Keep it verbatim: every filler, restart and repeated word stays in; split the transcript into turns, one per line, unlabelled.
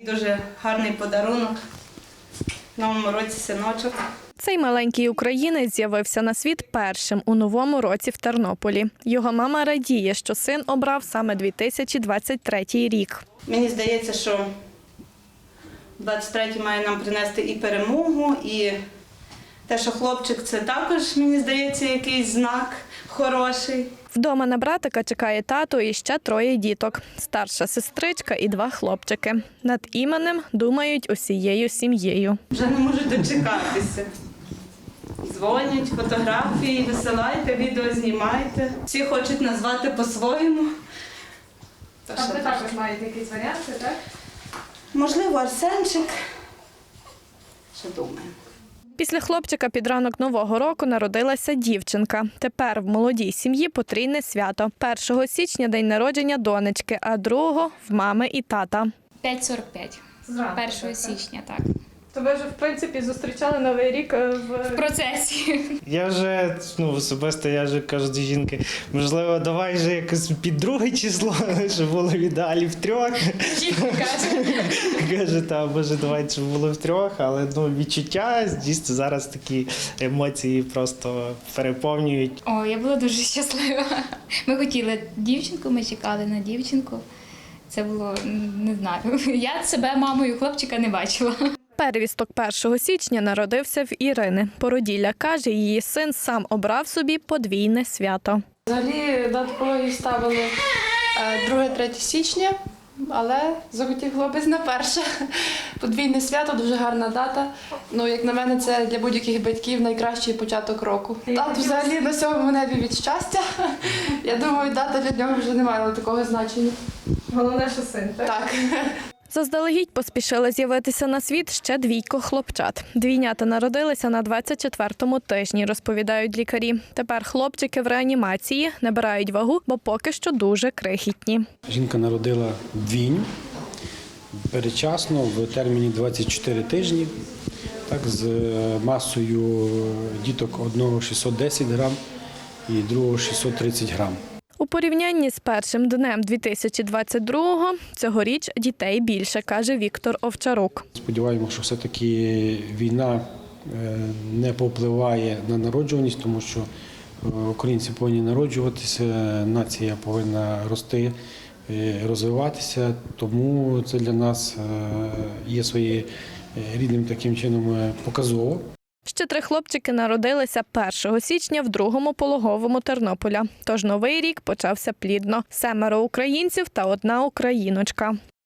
Дуже гарний подарунок. В новому році синочок.
Цей маленький українець з'явився на світ першим у новому році в Тернополі. Його мама радіє, що син обрав саме дві тисячі двадцять третій рік.
Мені здається, що двадцять третій має нам принести і перемогу, і те, що хлопчик – це також, мені здається, якийсь знак хороший.
Вдома на братика чекає тато і ще троє діток. Старша сестричка і два хлопчики. Над іменем думають усією сім'єю.
Вже не можу дочекатися. Дзвонять, фотографії, висилайте, відео знімайте. Всі хочуть назвати по-своєму.
А ви також маєте якісь варіанти, так?
Можливо, Арсенчик. Ще думаємо.
Після хлопчика під ранок Нового року народилася дівчинка. Тепер в молодій сім'ї потрійне свято. першого січня – день народження донечки, а другого – в мами і тата.
п'ять сорок п'ять.
Зранку.
першого січня, так.
То ви вже, в принципі, зустрічали Новий рік в...
В процесі.
Я вже, ну, особисто, я вже кажу до жінки, можливо, давай вже якось під друге число, щоб було в ідеалі в трьох.
Жінка каже.
Каже, та, може, давай, щоб було в трьох, але, ну, відчуття, дійсно, зараз такі емоції просто переповнюють.
О, я була дуже щаслива. Ми хотіли дівчинку, ми чекали на дівчинку. Це було, не знаю, я себе мамою хлопчика не бачила.
Первісток першого січня народився в Ірини. Породілля каже, її син сам обрав собі подвійне свято.
Взагалі до такої ставили друге-третє січня, але захотів хлопець на перше. Подвійне свято, дуже гарна дата. Ну, як на мене, це для будь-яких батьків найкращий початок року. Тато взагалі на сьомому небі від щастя. Я думаю, дата для нього вже не має такого значення.
Головне, що син, так?
Так.
Заздалегідь поспішили з'явитися на світ ще двійко хлопчат. Двійнята народилися на двадцять четвертому тижні, розповідають лікарі. Тепер хлопчики в реанімації набирають вагу, бо поки що дуже крихітні.
Жінка народила двійню передчасно в терміні двадцять чотири тижні, так, з масою діток одного шістсот десять грам і другого шістсот тридцять грам.
У порівнянні з першим днем дві тисячі двадцять другого цьогоріч дітей більше, каже Віктор Овчарук.
Сподіваємося, що все-таки війна не повпливає на народжуваність, тому що українці повинні народжуватися, нація повинна рости, розвиватися, тому це для нас є своєрідним таким чином показово.
Ще три хлопчики народилися першого січня в другому пологовому Тернополя. Тож новий рік почався плідно. Семеро українців та одна україночка.